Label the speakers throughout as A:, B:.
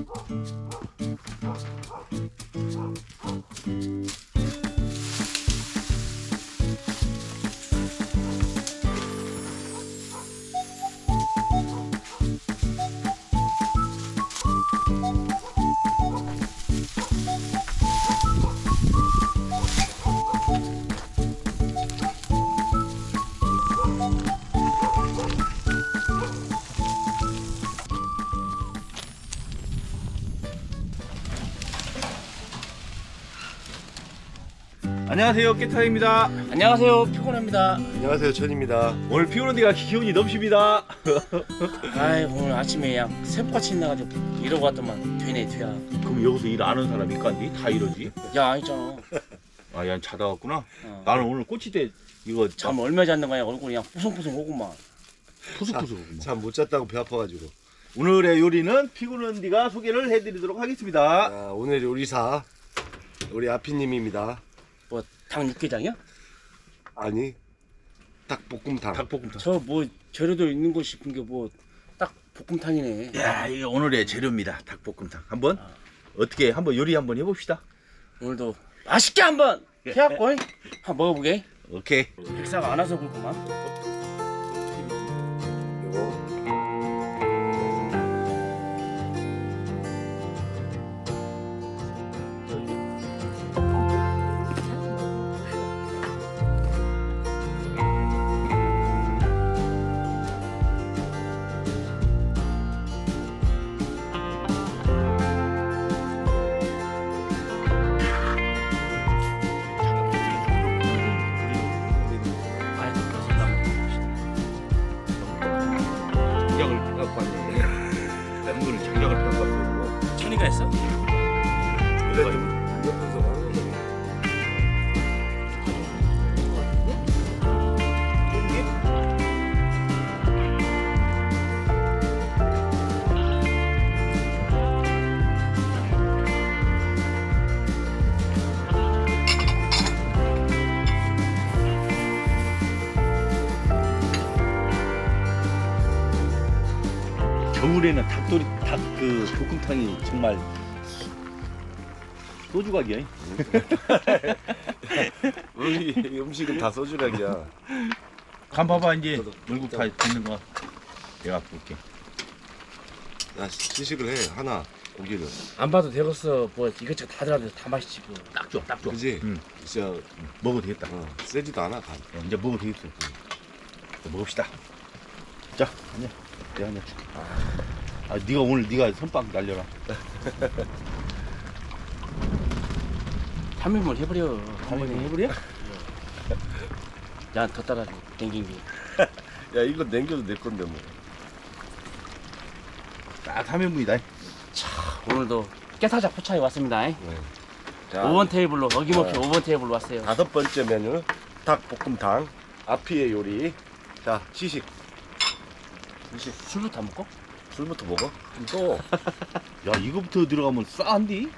A: 안녕하세요, 깨타입니다.
B: 안녕하세요, 피곤합니다.
C: 안녕하세요, 천입니다.
A: 오늘 피오는 데가 기운이 넘칩니다.
B: 아이, 오늘 아침에 그냥 세포같이 나가지고 이러고 왔더만 되네 뒤야.
A: 그럼 여기서 일 안 하는 사람 있간디? 다 이러지?
B: 야, 아니잖아.
A: 아, 야, 자다 왔구나.
B: 어.
A: 나는 오늘 꼬치대 이거
B: 잠 얼마 잤는 거야? 얼굴이 그냥 푸송푸송하구만.
A: 푸석푸석.
C: 잠 못 잤다고 배 아파가지고.
A: 오늘의 요리는 피구는 디가 소개를 해드리도록 하겠습니다.
C: 자, 오늘 요리사 우리 아피님입니다.
B: 뭐 닭 육개장이야?
C: 아니, 닭볶음탕.
A: 닭볶음탕.
B: 저 뭐 재료도 있는 거 싶은 게 뭐 딱 볶음탕이네.
A: 야, 이게 오늘의 재료입니다. 닭볶음탕. 한번 어떻게 한번 요리 한번 해봅시다.
B: 오늘도 맛있게 한번 해갖고 한번 먹어보게.
A: 오케이.
B: 백사가 안 와서 그렇구만.
C: 요거.
A: 장작을 갖고 왔네. 맹물을 장작을 갖고 왔어.
B: 천이가 했어?
A: 내가 좀 겨울에는 닭 그 볶음탕이 정말 소주각이야.
C: 우리 음식은 다 소주락이야.
A: 간 봐봐 이제 얼굴 다 있는 거. 내가 볼게.
C: 야, 시식을 해 하나 고기를.
B: 안 봐도 되겠어. 뭐 이것저것 다 들어가면서 다 맛있지 뭐.
A: 딱 좋아, 딱 좋아.
C: 그지?
A: 응.
C: 진짜
A: 먹어도 되겠다.
C: 세지도 않아 간.
A: 이제 먹어도 되겠어. 자, 먹읍시다. 자, 아니야. 내가 하나 줄게. 아, 네가 오늘 네가 선빵 날려라.
B: 3인분 해버려. 한 번에
A: 해버려?
B: 난더 따라줘. 댕긴 게.
C: 야, 이거 남겨도 내 건데 뭐.
A: 딱 3인분이다.
B: 오늘도 깨사작 포차에 왔습니다.
C: 네. 자,
B: 5번 테이블로 어김없이
C: 자.
B: 5번 테이블로 왔어요.
C: 5번째 메뉴 닭볶음탕. 아피의 요리. 자, 시식.
B: 술부터 안 먹고?
C: 술부터 먹어. 또.
A: 야, 이거부터 들어가면 싸한디?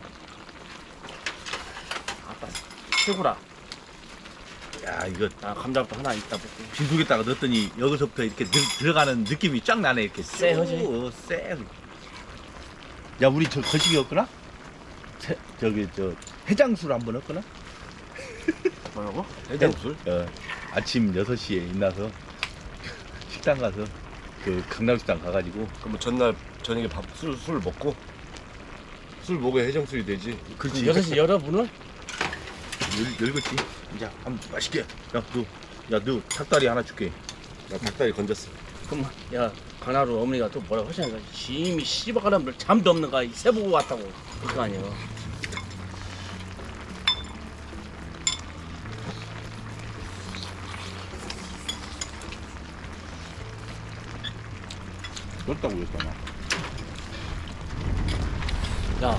B: 아빠 최고라.
A: 야, 이거
B: 아, 감자부터 하나 있다 먹고.
A: 빈속에다가 넣었더니 여기서부터 이렇게 들어가는 느낌이 쫙 나네. 이렇게
B: 쎄하지?
A: 쎄. 야, 우리 저 거시기 없거나? 저기 저 해장술 한번 없거나?
B: 뭐라고?
C: 해장술?
A: 아침 6시에 일어나서 식당 가서 그 강남식당 가가지고
C: 그럼 전날 저녁에 술 먹고 술 먹어야 해장술이 되지.
A: 그렇지.
B: 6시 여러분은?
A: 열겠지. 이제 한번 맛있게. 너 닭다리 하나 줄게.
C: 나 닭다리 건졌어.
B: 그럼 야 강나루 어머니가 또 뭐라고 하시는가? 심이 씨발가람들 잠도 없는가? 새보고 왔다고. 그거 아니에요.
A: 그렇다고 그랬잖아.
B: 야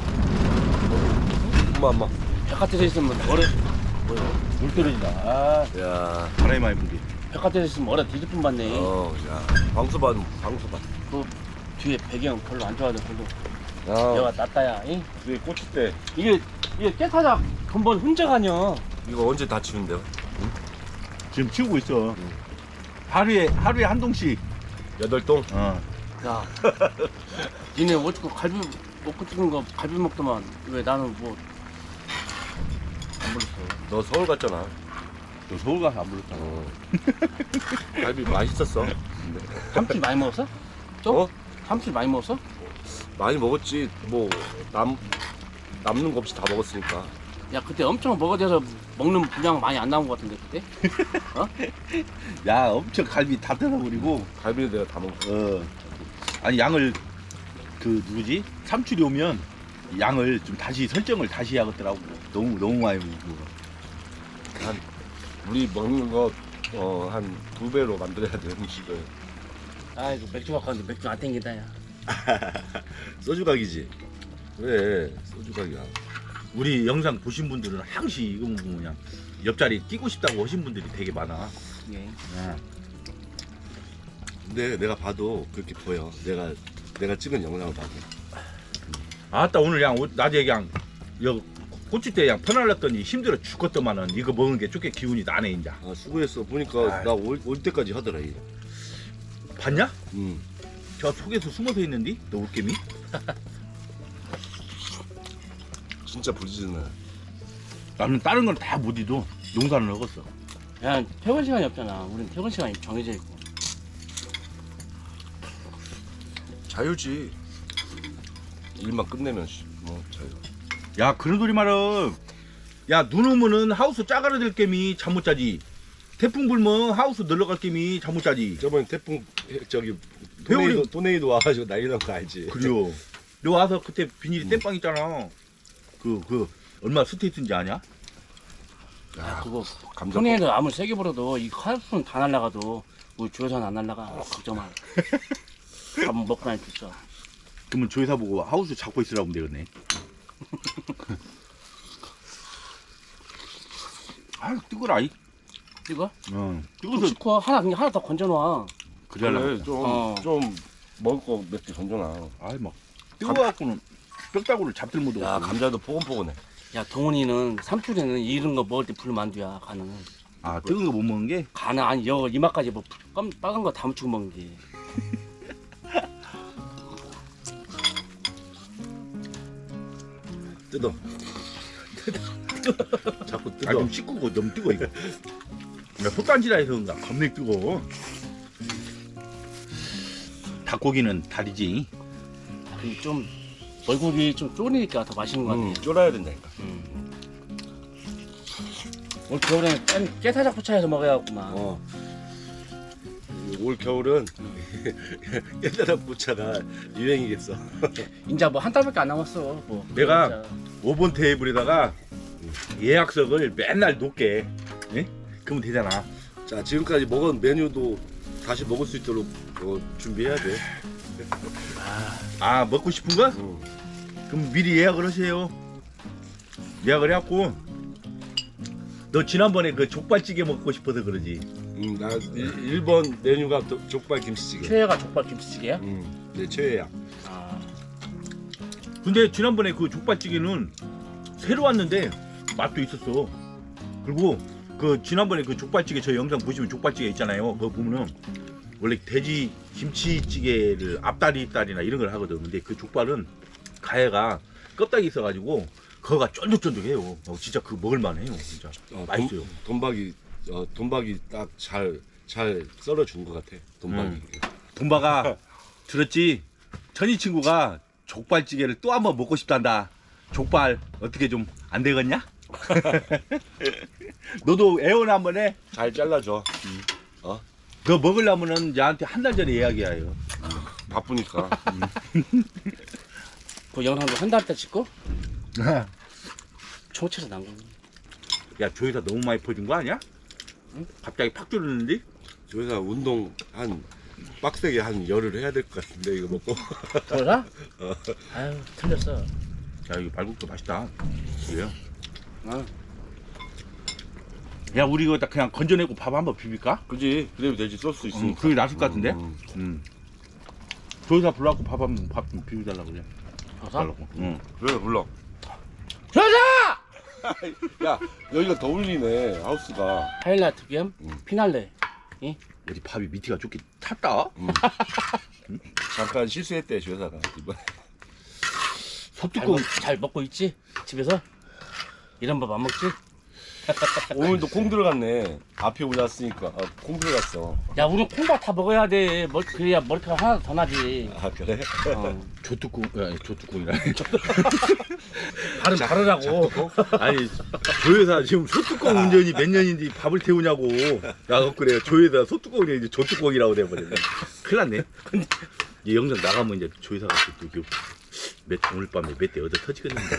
C: 엄마.
B: 백화점에 있으면 뭐래? 뭐야?
A: 물 떨어진다. 아,
C: 야.
A: 바람이 많이 불지.
B: 백화점에 있으면 뭐래? 뒤집품 받네.
C: 야. 방수반.
B: 그 뒤에 배경 별로 안 좋아하는 별로.
C: 야.
B: 내가 낫다야. 잉?
C: 우리 고추대.
B: 이게 깨타작 근본 흔적 아니야.
C: 이거 언제 다 치운대요?
A: 지금 치우고 있어. 하루에 한 동씩.
C: 8동?
A: 어.
B: 야, 니네 어쩌고 갈비 먹고 찍은 거 갈비 먹더만 왜 나는 뭐 안 불렀어.
C: 너 서울 갔잖아.
A: 너 서울 가서 안 불렀잖아.
C: 갈비 맛있었어.
B: 삼칠 많이 먹었어? 좀?
C: 어?
B: 삼칠 많이 먹었어?
C: 많이 먹었지. 뭐 남는 거 없이 다 먹었으니까.
B: 야 그때 엄청 먹어대서 먹는 분량 많이 안 나온 것 같은데 그때?
A: 야 엄청 갈비 다 뜯어버리고.
C: 갈비는 내가 다 먹었어.
A: 아니 양을 그 누구지? 삼출이 오면 양을 좀 다시 설정을 다시 해야겠더라고. 너무 많이 먹고.
C: 우리 먹는 거 한 2배로 만들어야 돼 음식을.
B: 아이고 맥주 갖고 왔는데 맥주 안 땡긴다 야.
C: 소주 각이지. 왜 소주 각이야?
A: 우리 영상 보신 분들은 항시 이거 보면 그냥 옆자리 끼고 싶다고 하신 분들이 되게 많아.
B: 예.
C: 근데 내가 봐도 그렇게 보여. 내가 찍은 영상을 봐도.
A: 아따 오늘 그냥 낮에 그냥 여 고추대 그냥 퍼날랐더니 힘들어 죽겠더만은 이거 먹은 게 쪼개 기운이 나네 인자.
C: 아 수고했어. 보니까
A: 아이.
C: 나 올 때까지 하더라. 얘.
A: 봤냐?
C: 응.
A: 저 속에서 숨어서 있는디? 너 올개미?
C: 진짜 부지런해.
A: 나는 다른 건 다 못 잊어. 용산을 먹었어.
B: 야 퇴근 시간이 없잖아. 우린 퇴근 시간이 정해져 있고.
C: 자유지. 일만 끝내면 뭐 자유.
A: 야 그런 소리 말어. 야 눈 오면은 하우스 짜가라들 게임이 잠 못 자지. 태풍 불면 하우스 늘러갈 게임이 잠 못 자지.
C: 저번에 태풍 저기
A: 회오리.
C: 토네이도 와가지고 난리 난 거 알지?
A: 그래요. 너 와서 그때 비닐이 땜빵 있잖아. 그 얼마 스테이트인지 아냐?
B: 야 그거
C: 감자.
B: 손에도 아무리 세게 불어도 이 칼국수는 다 날라가도 우리 조여서는 안 날라가. 걱정 마. 밥 먹고 다닐 수 있어.
A: 그러면 조회사 보고 하우스 잡고 있으라고 하면 되겠네. 아 뜨거라 이.
B: 이거?
A: 뜨거서
B: 시커 하나 그냥 하나 더 건져놔.
A: 그래야
C: 그래
B: 어.
C: 좀 먹을 거 몇 개 던져놔.
A: 아이 막 뜨거워갖고는 뼈다구를 잡들 못하고.
C: 야 감자도 포근포근해.
B: 야 동훈이는 삼촌에는 이런 거 먹을 때 불만두야 간은.
A: 아 뜨거운 거 못 먹는 게?
B: 간은 아니 여 이마까지 뭐 빨간 거 다 묻히고 먹는 게.
C: 뜯어. 자꾸 뜯어.
A: 아좀 씻고 너무 뜨거 이거. 야 솥단지라 해서 그런가 겁내 뜨거. 닭고기는 다리지.
B: 근데 좀 얼굴이 좀 쪼리니까 더 맛있는 것 같아.
C: 쫄아야 된다니까.
B: 올 겨울에는 깨사작부차에서 먹어야겠구만.
C: 올 겨울은 옛날 부차가 유행이겠어.
B: 이제 뭐 한 달밖에 안 남았어. 뭐
A: 내가
B: 진짜.
A: 5번 테이블에다가 예약석을 맨날 놓게. 예? 그러면 되잖아.
C: 자 지금까지 먹은 메뉴도 다시 먹을 수 있도록 준비해야 돼.
A: 아 먹고 싶은 거? 그럼 미리 예약을 하세요. 예약을 해갖고 너 지난번에 그 족발찌개 먹고 싶어서 그러지.
C: 나 1번 메뉴가 족발 김치찌개.
B: 최애가 족발 김치찌개야?
C: 내 최애야.
B: 아,
A: 근데 지난번에 그 족발찌개는 새로 왔는데 맛도 있었어. 그리고 그 지난번에 그 족발찌개 저 영상 보시면 족발찌개 있잖아요. 그거 보면은 원래 돼지 김치찌개를 앞다리나 이런 걸 하거든. 근데 그 족발은 가해가 껍데기 있어가지고 그거가 쫀득쫀득해요. 진짜 그 먹을만해요. 진짜 맛있어요.
C: 돈박이 딱 잘 썰어준 것 같아. 돈박이.
A: 돈바가 들었지? 천희 친구가 족발찌개를 또 한번 먹고 싶단다. 족발 어떻게 좀 안 되겠냐? 너도 애원 한번 해.
C: 잘 잘라줘.
A: 너 먹으려면은 나한테 한 달 전에 예약이야. 이거.
C: 바쁘니까.
B: 그 영상도 한 달 때 찍고 초치에서 난 거.
A: 야 조회사 너무 많이 퍼진 거 아니야?
B: 응?
A: 갑자기 팍 줄었는데?
C: 조회사 운동 한 빡세게 한 열흘 해야 될 것 같은데 이거 먹고.
B: 그러나? 아유 틀렸어.
A: 야 이거 발국도 맛있다. 그래요?
B: 어.
A: 야 우리 이거 딱 그냥 건져내고 밥 한번 비빌까?
C: 그지? 그래도 되지. 소스 있으니까.
A: 그게 낫을 것 같은데?
C: 음.
A: 조회사 불러갖고 밥 좀 비벼달라고 그래.
B: 조사?
A: 달라고. 응.
C: 그래 불러.
B: 조사!
C: 야 여기가 더 울리네 하우스가.
B: 하이라이트 겸 피날레.
A: 어디 밥이 밑에가 좋게 탔다?
C: 잠깐 실수했대 조회사가 이번에.
A: 소뚜껑
B: 잘 먹고 있지? 집에서? 이런 밥 안 먹지?
C: 오늘도 콩 들어갔네. 앞에 올랐으니까 콩 들어갔어.
B: 야 우리 콩밥 다 먹어야 돼. 그래야 머리카락 하나 더 나지.
C: 아 그래?
B: 어.
A: 조뚜껑 조뚜껑이라.
B: 발음 다르라고.
A: 아니 조회사 지금 소뚜껑 운전이 몇 년인지 밥을 태우냐고. 야 그래요. 조회사 소뚜껑이 이제 조뚜껑이라고 돼버렸네. 큰일 났네. 이 영상 나가면 이제 조회사가 또 오늘 밤에 몇 대 얻어 터지겠는데.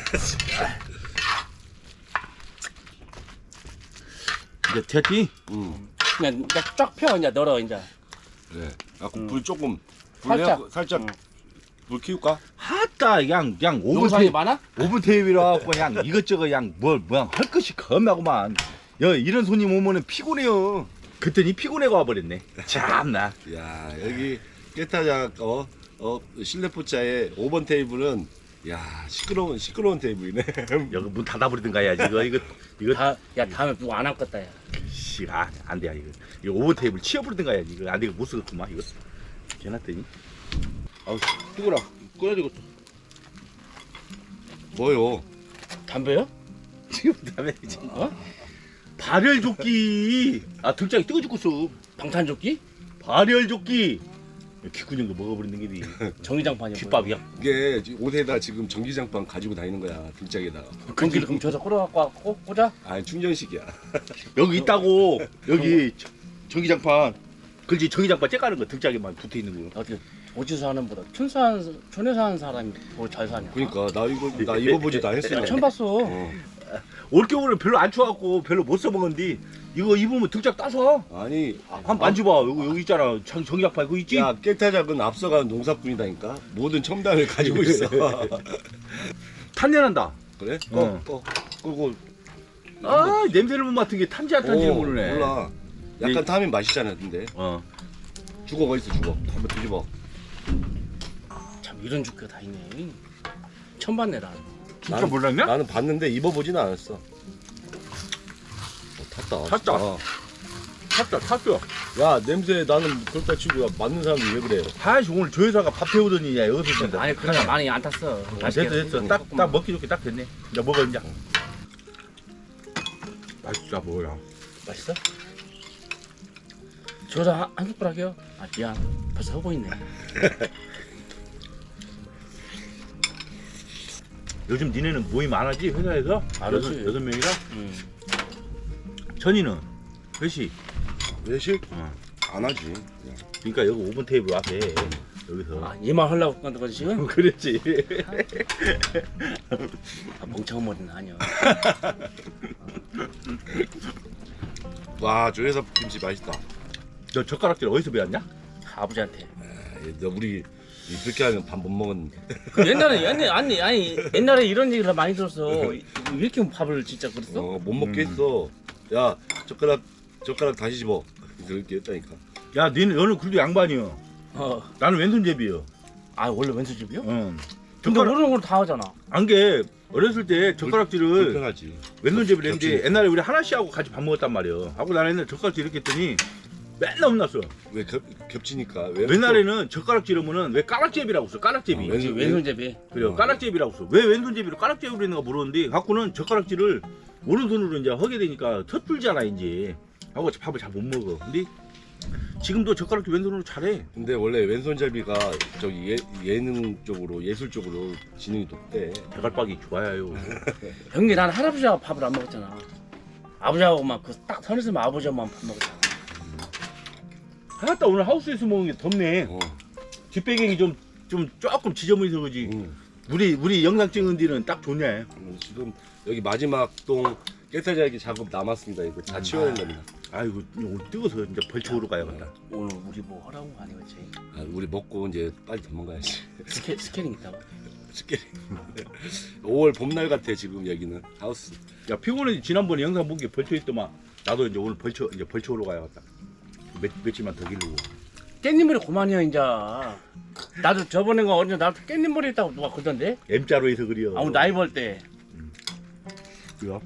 A: 이제 됐지?
C: 응.
B: 그냥 이제 쫙 펴 이제 널어 이제.
C: 그래. 불 조금
B: 살짝.
C: 살짝
B: 응.
C: 불 키울까?
A: 하따 그냥 5분
B: 영상이 많아?
A: 5분 테이블이라 그냥 이것저것 그냥 뭐할 것이 겁나구만. 야 이런 손님 오면은 피곤해요. 그랬더니 피곤해가 와버렸네. 참나.
C: 야 여기 깨타장 실내 포차의 5번 테이블은 야 시끄러운 테이블이네.
A: 여기 문 닫아버리든가 해야지. 이거
B: 야 다음에 누구 안 왔겠다 야.
A: 씨, 안 돼. 이거 오버 테이블 치워버리든가 해야지. 이거 안 돼. 이거 못 쓰겠구만 이거. 개났더니. 아우 뜨거라. 꺼야 되겠어.
C: 뭐요?
B: 담배요?
A: 지금 다음에 이제
B: 어?
A: 발열조끼. 등짝이 뜨거 죽겠어.
B: 방탄조끼?
A: 발열조끼. 기구정 거 먹어버리는 게지.
B: 정기장판이야.
A: 귓밥이야.
C: 이게 옷에다 지금 전기장판 가지고 다니는 거야 등짝에다가.
B: 전기를 그럼 줘서 끌어갖고 꽂아?
C: 아니 충전식이야.
A: 여기 있다고. 여기 전기장판. 그렇지 전기장판 째까는 거 등짝에만 붙어 있는 거.
B: 어디 어디서 하는 보다 촌에서 하는 사람이 뭐 잘 사냐?
C: 그러니까 나 입어보지도 않았어.
B: 처음 봤어.
A: 올겨울에 별로 안 추워갖고 별로 못 써먹었는데 이거 입으면 등짝 따서.
C: 아니
A: 한번 만져봐. 여기 있잖아. 전기장판 그거 있지?
C: 야 깨타작은 앞서가는 농사꾼이다니까. 모든 첨단을 가지고 있어.
A: 탄내난다.
C: 그래?
A: 어.
C: 끄고.
A: 냄새를 못 맡은 게 탄지 안 탄지를 모르네.
C: 몰라. 약간
A: 이-
C: 타면 맛있잖아. 근데 죽어 어딨어 죽어. 한번 뒤집어.
B: 참 이런 주가 다 있네. 처음 봤네 나.
A: 진짜 몰랐냐?
C: 나는 봤는데 입어보지는 않았어. 탔다.
A: 탔다. 탔어.
C: 야 냄새 나는 그렇다 치고 야, 맞는 사람이 왜 그래?
A: 하이씨 오늘 조 회사가 밥 태우더니 야 여기서 된다.
B: 아니 그래 많이 안 탔어.
A: 됐어. 딱 먹기 좋게 딱 됐네. 이제 먹어 이제. 맛있다 뭐야.
B: 맛있어? 저다 한 숟가락이요? 아 미안. 벌써 하고 있네.
A: 요즘 니네는 모임 안 하지 회사에서?
B: 안 하지.
A: 여섯 명이라? 천이는 회식.
C: 외식?
A: 어.
C: 안 하지.
A: 그러니까 여기 5분 테이블 앞에 여기서.
B: 아 얘만 하려고 간다 거지 지금?
A: 그랬지.
B: 아, 멍청한 머리는 아니야.
C: 와 조회사 김치 맛있다.
A: 너 젓가락질 어디서 배웠냐?
B: 아버지한테.
C: 너 우리 그렇게 하면 밥 못 먹었는데.
B: 그 아니 옛날에 이런 얘기를 많이 들었어. 왜 이렇게 밥을 진짜 그랬어?
C: 못 먹게 했어. 야 젓가락 다시 집어. 그렇게 했다니까.
A: 야 너는 그래도 양반이여. 나는 왼손잡이여.
B: 아 원래 왼손잡이요?
A: 응.
B: 근데 모르는 걸 다 하잖아.
A: 안게 어렸을 때 젓가락질을
C: 불편하지.
A: 왼손잡이를 했는데
C: 겹치네.
A: 옛날에 우리 하나씨하고 같이 밥 먹었단 말이야. 하고 나는 옛날에 젓가락질 이렇게 했더니 맨날 혼났어.
C: 왜 겹치니까? 왜
A: 옛날에는 젓가락질 하면은 왜 까락제비라고 써. 까락제비.
C: 왼손-
B: 왼손잡이.
A: 그래요. 까락제비라고 써. 왜 왼손잡이로 까락제비로 했는가 물었는데 갖고는 젓가락질을 오른손으로 이제 하게 되니까 텄불잖아 이제. 하고 밥을 잘 못 먹어. 근데 지금도 젓가락질 왼손으로 잘해.
C: 근데 원래 왼손잡이가 저기 예능 쪽으로 예술 쪽으로 지능이 높대.
A: 대갈박이 좋아요.
B: 형님 난 할아버지하고 밥을 안 먹었잖아. 아버지하고만 그 딱 선에서만 아버지하고만 밥 먹었잖아.
A: 하나따 오늘 하우스에서 먹은 게 덥네.
C: 어.
A: 뒷배경이 좀 조금 지저분해서 그지. 우리 영상 찍은 뒤는 딱 좋네.
C: 지금 여기 마지막 동 깨타자기 작업 남았습니다. 이거 다 치워야 된답니다.
A: 아이고 오늘 뜨거워서 이제 벌초로 가야겠다.
B: 오늘 우리 뭐 하라고 아니겠지?
C: 우리 먹고 이제 빨리 도망가야지.
B: 스캐닝 있다고?
C: 쉽게 5월 봄날 같아 지금 여기는 하우스.
A: 야 피곤해. 지난번에 영상 본 게 벌초였더만. 나도 이제 오늘 벌초로 가야겠다. 며칠만 더 기르고.
B: 깻잎머리 그만이야 이제. 나도 저번에 가 언제 나도 깻잎머리 있다고 누가 그러던데?
A: M자로 해서 그려.
B: 아무 나이 벌 때.
A: 그래?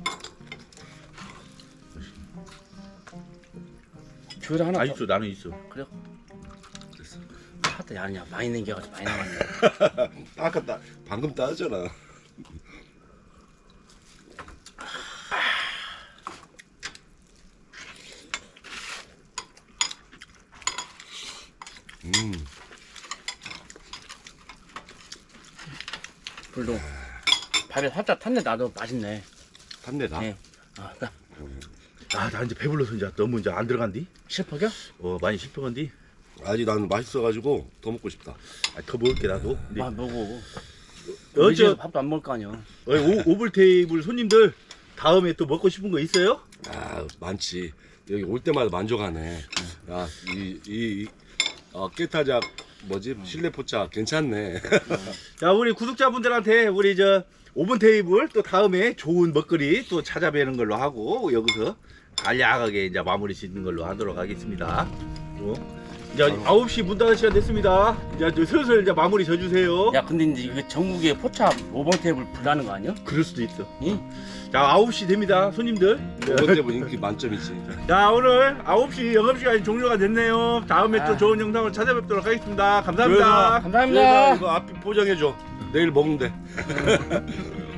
B: 조회를 하나
A: 아
B: 더.
A: 있어. 나는 있어.
B: 그래? 하다 야냐 많이 남겨가지고 많이 남았네.
C: 아까 방금 따졌잖아.
B: 불도 밥에 살짝 탔네. 나도 맛있네.
C: 탐내다.
B: 네. 아, 나
A: 나 이제 배불러서 이제 너무 이제 안 들어간디?
B: 실퍽이야?
A: 많이 싶어간디?
C: 아직 나는 맛있어가지고 더 먹고 싶다.
A: 더 먹을게 나도. 근데
B: 아, 먹어.
A: 어저
B: 집에서 밥도 안 먹을 거 아니야.
A: 오블 테이블 손님들 다음에 또 먹고 싶은 거 있어요?
C: 아 많지. 여기 올 때마다 만족하네. 야이 깨타작 뭐지 실내 포차 괜찮네.
A: 자 우리 구독자분들한테 우리 저 오븐 테이블 또 다음에 좋은 먹거리 또 찾아뵈는 걸로 하고 여기서 간략하게 이제 마무리 짓는 걸로 하도록 하겠습니다. 이제 9시 문 닫을 시간 됐습니다. 이제 슬슬 이제 마무리 져주세요.
B: 야, 근데 이제 이게 전국에 포차 5번 테이블 불나는 거 아니야?
A: 그럴 수도 있어.
B: 응?
A: 자 9시 됩니다 손님들.
C: 오번 때문 인기 만점이지.
A: 자 오늘 9시 영업시간이 종료가 됐네요. 다음에 또
B: 아.
A: 좋은 영상을 찾아뵙도록 하겠습니다. 감사합니다.
B: 감사합니다.
C: 이거 앞에 포장해줘. 내일 먹는데.